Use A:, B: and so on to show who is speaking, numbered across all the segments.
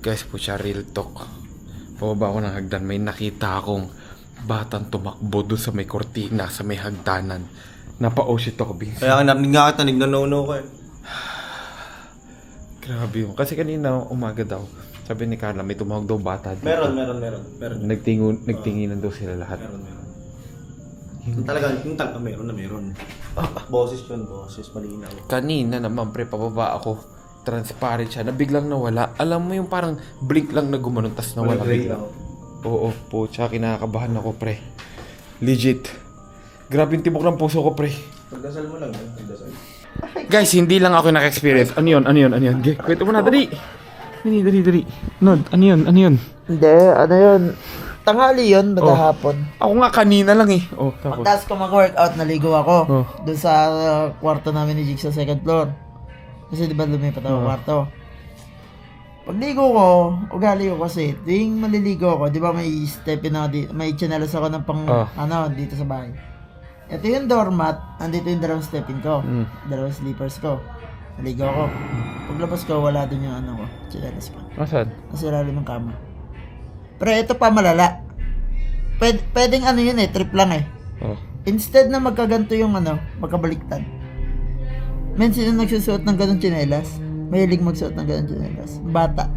A: Guys po siya, real talk. Pababa ako ng hagdan, may nakita akong batang tumakbo doon sa may kortina, sa may hagdanan. Napa-oh shit ako, Vince.
B: Kaya narinig nga kita, nagno-no-no ko eh.
A: Grabe yun. Kasi kanina umaga daw, sabi ni Carla, may tumawag daw bata dito.
B: Meron.
A: Nagtinginan daw sila lahat.
B: Meron. Yung talaga meron. Boses yun, boses, malinaw.
A: Kanina naman, pre, pababa ako. Transparent siya, na biglang nawala. Alam mo yung parang blink lang na gumanon, tas nawala biglang. Oo, po, tsaka kinakabahan ako, pre. Legit. Grabe yung tibok ng puso ko, pre.
B: Pagdasal mo lang, pagdasal.
A: Guys, hindi lang ako naka-experience. Ano yun? Okay, kwento mo na, dali. Dali. Nod, ano yun?
C: Hindi, ano yun? Tanghali yun, hapon.
A: Ako nga kanina lang eh. Oh, tapos.
C: Pagtas ko mag-workout, naligo ako.
A: Oh.
C: Doon sa kwarto namin ni Jig sa second floor. Kasi di ba lumipat ako kwarto. Pagligo ko, ugali ko kasi, tuwing maliligo ako, di ba may step na, may chinelas ako ng pang, dito sa bahay. Ito yung doormat, andito yung dalawang stepin ko, dalawang slippers ko. Naligo ako. Paglabas ko, wala dun yung ko, chinelas ko.
A: Nasaan?
C: Nasa ilalim ng kama. Pero ito pa malala. Pwedeng yun trip lang eh.
A: Oh.
C: Instead na magkaganto yung magkabaliktad. Men, sino nagsusuot ng ganong tsinelas? Mahilig magsuot ng ganong tsinelas. Bata.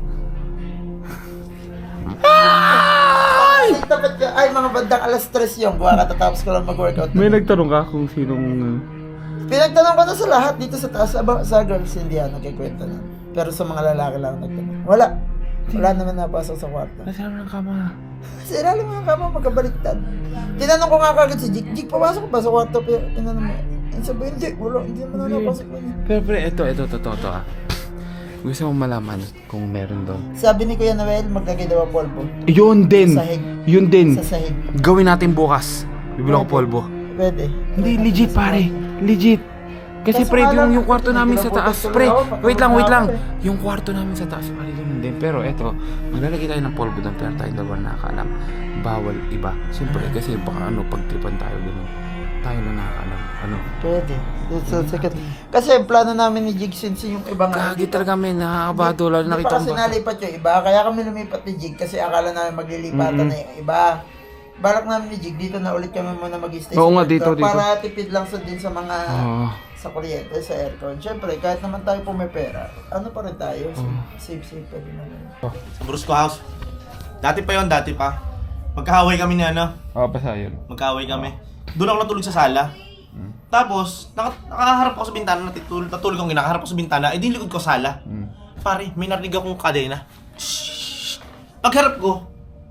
C: Ay, mga bandang alas 3 yung buha katatapos ko lang mag-workout.
A: May nagtanong ka kung sinong...
C: Pinagtanong ko na sa lahat dito sa taas. Sa girls, hindi nagkikwento na. Pero sa mga lalaki lang nagtanong. Wala naman napasok sa kwarto.
A: Nasa ng kama.
C: Sa ilalim ng kama, magkabaliktad. Tinanong ko nga kagad si Jig. Jig, papasok ba sa kwarto? Pero tinanong mo. Sabi, hindi naman napasok ba niya.
A: Pero ito, totoo ah. Gusto mo malaman kung meron doon.
C: Sabi ni Kuya Noel, maglagay daw ang polvo.
A: Yun din!
C: Sahig.
A: Yun din!
C: Sa sahig.
A: Gawin natin bukas. Bibili ako polvo.
C: Pwede.
A: Hindi, legit pare. Legit. Kasi pre, yung kwarto namin sa taas. Pre, wait lang. Yung kwarto namin sa taas, pare, yun din. Pero eto, maglalagay tayo ng polvo doon. Pero tayong dalawa nakakaalam. Bawal iba. Siyempre, kasi baka pagtripan tayo gano'n. Tayo na nakakaalam.
C: Pwede. Kasi ang plano namin ni Jig since yung ibang...
A: Kagi talaga may nakakabado. Lalo nakita ko
C: kasi nalipat yung iba. Kaya kami lumipat ni Jig kasi akala namin maglilipatan na yung iba. Balak namin ni Jig, dito na ulit kami muna mag-stay.
A: Oo nga, dito.
C: Para tipid lang din sa mga... sa kuryente, sa aircon. Siyempre, kahit naman tayo po may pera, pa rin tayo. Safe pa din naman.
B: Sa Brusco House. Dati pa. Magkahaway kami ni
A: basta yun.
B: Magkahaway kami. Doon ako natulog sa sala. Tapos, nakaharap ako sa bintana, natulog ako, nakaharap ako sa bintana, di likod ko sala. Pare, may narinig akong kadena. Shhh! Pagharap ko,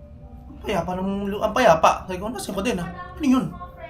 B: ang payapa. Sabi ko, nasa yung kadena? Ano yun?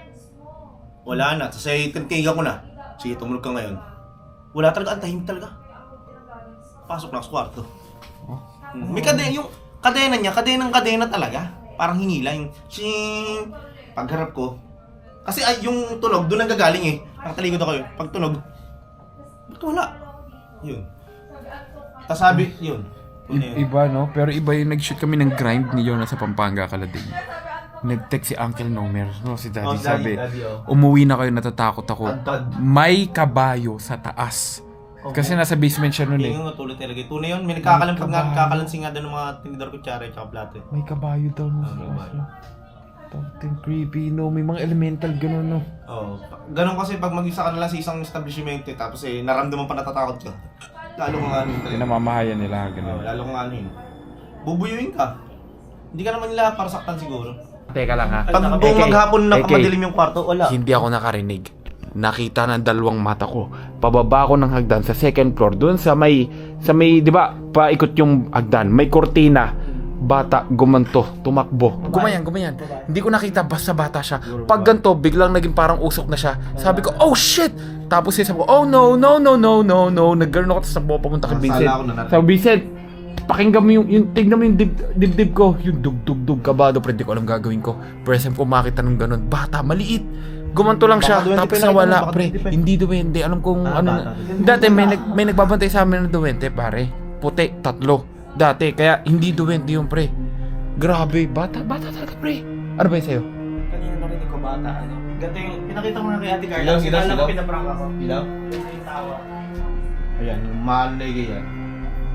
B: Wala na. Kasi tintiga ko na. Sige, tumulog ka ngayon. Wala talaga, ang tahimik talaga. Pasok na sa kwarto. May kadena, yung kadena niya, kadena talaga. Parang hinila yung shing. Pagharap ko, kasi yung tunog, doon nanggagaling eh. Nakatalikod ako yun. Pag tunog, ba't wala? Yun. Tapos sabi, yun.
A: Iba no? Pero iba yung nag-shoot kami ng grind ni Jonas sa Pampanga, Kalading. Nag-text si Uncle Nomer, si Daddy, sabi, umuwi na kayo, natatakot ako. May kabayo sa taas. Kasi nasa basement siya nun eh.
B: Yung tulad talaga. Tunay yun, may nagkakalansing nga doon ng mga tinidor kutsara at plato eh.
A: May kabayo daw nun sa taas. Tawag creepy, no? May mga elemental gano'n, no?
B: Oo. Ganon kasi pag mag-isa ka na lang sa isang establishment tapos naramdaman pa natatakot ka. Lalo kong ano yun.
A: Pinamamahayan nila, gano'n.
B: Lalo kong ano yun. Bubuyuin ka. Hindi ka naman nila para saktan siguro.
A: Teka lang ha.
B: Pag buong maghapon na madilim yung kwarto, wala.
A: Hindi ako nakarinig. Nakita ng dalawang mata ko. Pababa ako ng hagdan sa second floor. Doon sa may, di ba, paikot yung hagdan. May kortina. Bata, gumanto, tumakbo. Gumayan. Hindi ko nakita, basta bata siya. Pag ganito, biglang naging parang usok na siya. Sabi ko, oh shit! Tapos sabi ko, oh no. Naggaroon ako, tapos nagpo papunta kay Vincent. Sabi, Vincent, pakinggan mo yung tignan mo yung dibdib ko. Yung dug kabado, pero hindi ko alam gagawin ko. First time ko makita ng ganun. Bata, maliit. Gumanto lang siya, tapos nawala, pre. Hindi duwende. Alam kong ano. Dati may nagbabantay sa amin ng duwende, pare. Puti, 3. Dati, kaya hindi duwende yung pre. Grabe, bata talaga pre. Ano ba yun sa'yo?
B: Kanina narinig ko bata, Ganito yung, pinakita mo na kay Ate Carla. Sinala ko pinaprank ako. Ilaw? Yung tawa. Ayan, yung mahal na yan.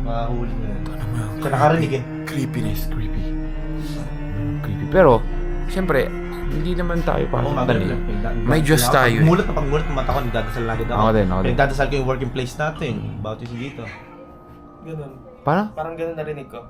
B: Mahuli na yun. Siya nakarinig eh.
A: Creepiness, creepy. Creepy. Pero, siyempre, hindi naman tayo pa. May Diyos tayo.
B: Mulat na pagmulat ng mata ko, nagdadasal na agad ako.
A: Ako din.
B: Nagdadasal ko yung working place natin. About is dito.
D: Ganun.
A: Paano?
D: Parang ganun narinig ko.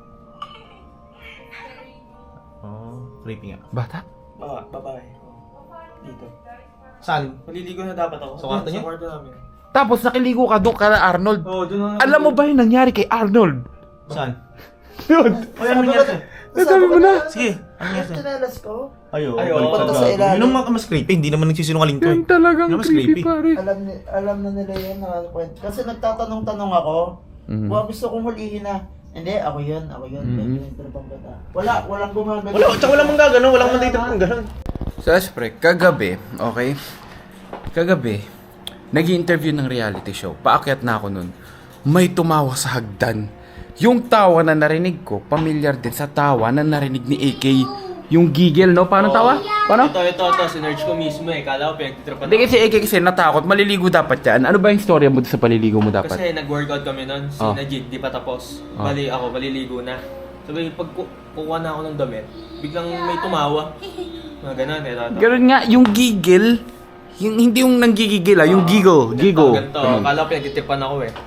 B: Oh, creepy nga.
A: Bata?
D: Babae. Dito.
B: Saan?
D: Maliligo na dapat ako.
B: Sa kwarto niya?
D: Sa kwarto namin.
A: Tapos nakiligo ka doon kala Arnold.
D: Oo, doon na.
A: Alam mo ba yung nangyari kay Arnold?
B: Saan?
A: Yun.
B: O, ano nangyari?
A: Nasabi mo na.
B: Sige, ano nangyari?
C: Chinelas ko.
B: Ayo,
D: Ayo,
B: balik
D: punta
B: ka
C: sa
B: gago.
C: ilalim.
B: Yun ang mas creepy, hindi naman nagsisinungaling ko
A: Yun
B: eh.
A: talagang
B: Yun mas
A: creepy,
B: creepy.
A: pare.
C: Alam na nila yun. Kasi nagtatanong-tanong ako.
A: Mhm.
C: Baka gusto kong hulihin na. Hindi, ako yun.
A: Mhm.
C: Walang gumagano.
B: Tsaka walang mang gagano, walang man dito pang gano'n.
A: So, pre, kagabi, okay? Kagabi, nag-i-interview ng reality show. Paakyat na ako nun. May tumawa sa hagdan. Yung tawa na narinig ko, pamilyar din sa tawa na narinig ni AK. Yung gigil, no? Paano tawa? Paano?
D: Ito. Sinerge ko mismo eh. Kala ko pinagtitripan
A: Hindi kasi AK kasi natakot. Maliligo dapat yan. Ano ba yung storya mo sa paliligo mo dapat?
D: Kasi nag-workout kami nun. Si
A: Oh.
D: Najid, di pa tapos.
A: Oh.
D: Bali ako, maliligo na. Sabi, pag kukuha na ako ng damit, biglang may tumawa. Mga ganun eh.
A: Ganun nga, yung gigil, yung, hindi yung nanggigigil yung giggle.
D: Ganito.
A: Ganun.
D: Kala ko pinagtitripan ako eh.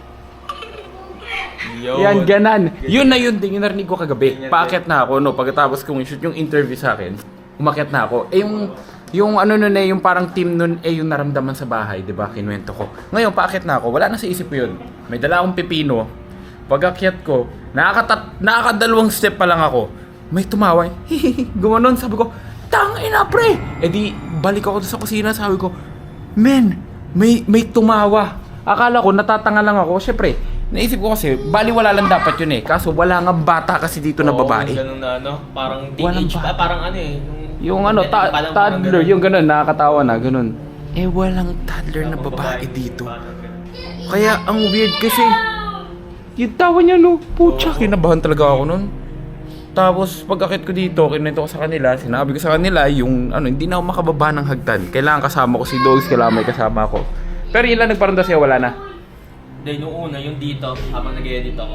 D: Yun.
A: Yan, ganan. Yun na yun din, yung narinig ko kagabi.
D: Ganyan
A: Paakyat na ako, no? Pagkatapos kong shoot yung interview sa akin, umakyat na ako. Eh, yung ano nun eh, yung parang team nun eh, yung naramdaman sa bahay, di ba? Kinuwento ko. Ngayon, paakyat na ako, wala na sa isip ko yun. May dala akong pipino. Pag-akyat ko, nakakadalawang step pa lang ako. May tumawa, gumanon, sabi ko, tangina pre! Eh di, balik ako sa kusina, sabi ko, men, may tumawa. Akala ko, natatanga lang ako. Siyempre, naisip ko kasi, baliwala lang dapat yun eh. Kaso wala nga bata kasi dito na babae.
D: Ganun na ano, parang
A: Walang
D: teenage
A: bata.
D: parang ano eh.
A: Yung ano,
D: parang
A: toddler,
D: ganun.
A: yung ganun, nakakatawa na, ganun. Eh, walang toddler na babae dito. Kaya, ang weird kasi, yung tawa niya, no, putya, kinabahan talaga ako nun. Tapos, pag-akit ko dito, kinento ko sa kanila, sinabi ko sa kanila, yung, ano, hindi na ako makababa ng hagdan. Kailangan kasama ko si Dogs, kailangan may kasama ako. Pero yun lang nagparanda siya, wala na.
D: Then nung una, yung dito, habang nag-edit ako,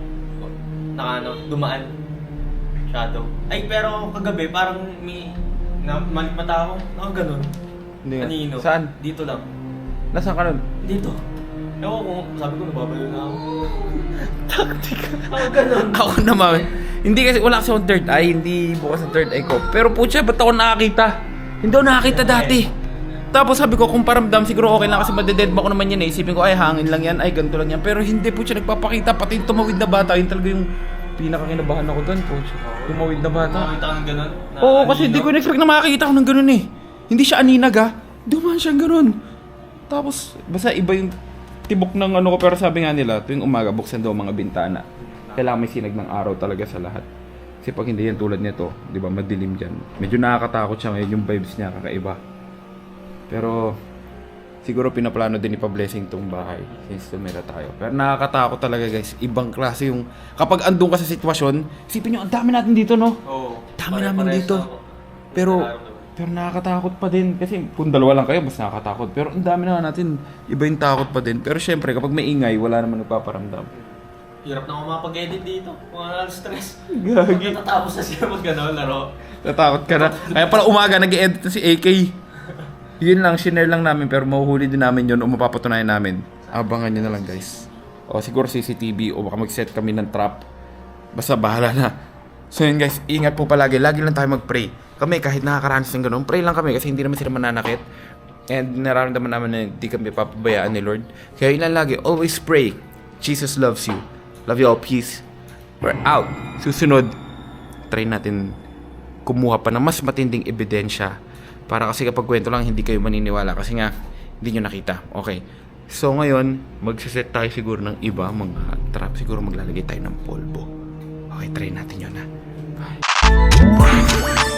D: dumaan. Shadow. Ay, pero kagabi, parang may malik mata ako. Ganun.
A: Hindi nga.
D: Kanino?
A: Saan?
D: Dito lang.
A: Nasaan ka nun?
D: Dito. Ewan ko, sabi ko, nababalo na ako. Taktika. Ganun.
A: Ako naman, hindi kasi wala kasi akong third eye, hindi bukas ang third eye ko. Pero putya, ba't ako nakakita? Hindi ako nakakita dati. Tapos sabi ko, kung paramdam, siguro okay lang kasi madededma ko naman yan eh. Isipin ko, ay hangin lang yan, ay ganito lang yan. Pero hindi po siya nagpapakita, pati yung tumawid na bata, yun talaga yung pinakakinabahan ako doon, coach. Tumawid na bata.
D: Nakakita ka ng ganun? Na
A: Oo, kasi
D: anino?
A: hindi ko in-expect na makakita ko ng ganun eh. Hindi siya aninag ah. Dumaan siyang ganun. Tapos, basta iba yung tibok ng ano ko, pero sabi nga nila, tuwing umaga, buksan daw mga bintana. Kailangan may sinag ng araw talaga sa lahat. Kasi pag hindi yan tulad nito, di ba, madilim dyan. Medyo nakakatakot siya ngayon, yung vibes niya kakaiba. Pero, siguro pinaplano din ni Pa-Blessing tong bahay since tumira tayo. Pero nakakatakot talaga guys. Ibang klase yung, kapag andun ka sa sitwasyon, isipin nyo, ang dami natin dito no?
D: Oo.
A: Dami namin dito. Pero nakakatakot pa din. Kasi kung dalawa lang kayo, mas nakakatakot. Pero ang dami na natin, iba yung takot pa din. Pero syempre, kapag may ingay, wala naman nagpaparamdam.
D: Hirap na ako makapag-edit dito. Mga stress.
A: Gagi.
D: Natatapos na siya mag gano'n, laro.
A: Natakot ka na. Kaya pala umaga, nag-edit na si AK. Yun lang, shinare lang namin. Pero mahuhuli din namin yun o mapapatunayan namin. Abangan nyo na lang guys. O siguro CCTV o baka mag-set kami ng trap. Basta bahala na. So yun guys, ingat po palagi. Lagi lang tayo mag-pray. Kami kahit nakakaranas ng ganun, pray lang kami kasi hindi naman sila mananakit. And nararamdaman naman na hindi kami papabayaan ni Lord. Kaya yun lang lagi, always pray. Jesus loves you. Love you all, peace. We're out. Susunod, try natin kumuha pa ng mas matinding ebidensya. Para kasi kapag kwento lang, hindi kayo maniniwala. Kasi nga, hindi nyo nakita. Okay. So ngayon, magsiset tayo siguro ng iba, mga trap. Siguro maglalagay tayo ng polvo. Okay, try natin yun ha. Bye.